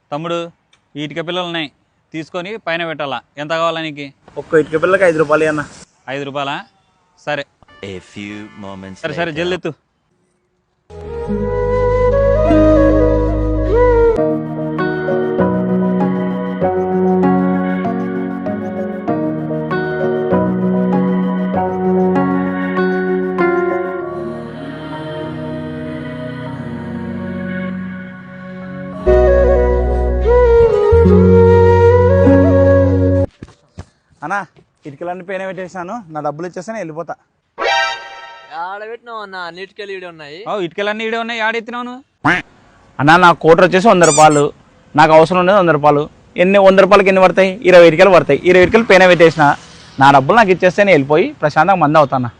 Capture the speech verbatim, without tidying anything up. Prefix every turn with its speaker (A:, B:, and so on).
A: తమ్ముడు ఈ ఇటుక పిల్లలు ఉన్నాయి, తీసుకొని పైన పెట్టాలా. ఎంత కావాలా నీకు?
B: ఒక్క ఇటుక పిల్లకి ఐదు రూపాయలు అన్న.
A: ఐదు రూపాయలా? సరే
C: A few moments
A: సరే సరే
C: later.
A: జల్దెత్తు.
B: అన్నా ఇటుకలన్నీ పైన పెట్టేసాను, నా డబ్బులు ఇచ్చేస్తాను వెళ్ళిపోతా.
D: ఆడబెట్టినావు అన్న, అన్నిటికెళ్ళి ఈడే ఉన్నాయి.
A: ఓ ఇటుకలన్నీ ఈడే ఉన్నాయి, ఆడెత్తినావు నువ్వు?
B: అన్నా నా కోటర్ వచ్చేసి వంద రూపాయలు, నాకు అవసరం ఉండేది వంద రూపాయలు. ఎన్ని వంద రూపాయలకి ఎన్ని పడతాయి? ఇరవై ఇటుకలు పడతాయి. ఇరవై ఇటుకలు పైన పెట్టేసిన, నా డబ్బులు నాకు ఇచ్చేస్తే నేను వెళ్ళిపోయి ప్రశాంతంగా మంది అవుతానా.